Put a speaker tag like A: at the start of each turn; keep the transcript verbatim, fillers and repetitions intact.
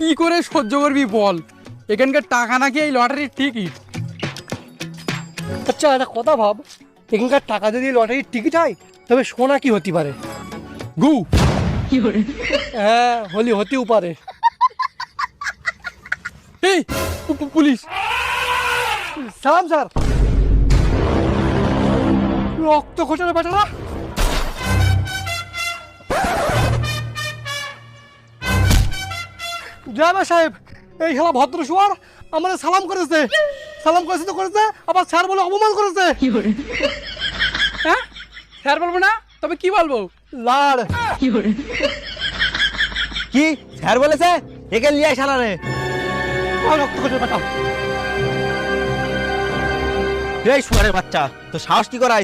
A: কি করে সহ্য করবি বল, এখানকার টাকা নাকি এই লটারির টিকিট।
B: আচ্ছা একটা কথা ভাব, এখানকার টাকা যদি লটারির টিকিট হয় তবে সোনা কি হতে পারে?
A: গু
B: হ্যাঁ হলি হতেও পারে।
A: এই পু- পু- পুলিশ।
B: সালাম স্যার। রক্ত খোঁচানো বেটারা। ড্রাইভার সাহেব, এই খেলা ভদ্র শুয়ার আমাদের সালাম করেছে। সালাম করেছে তো করেছে, আবার স্যার বলে অপমান করেছে।
A: হ্যাঁ স্যার বলবো না তবে কি বলবো?
B: লাড়।
C: কি স্যার বলেছে? একে নিয়ে শালা রে।
B: আর রক্ত খোঁচানো বেটা।
C: এই শুয়ারের বাচ্চা, তো সাহস কি করা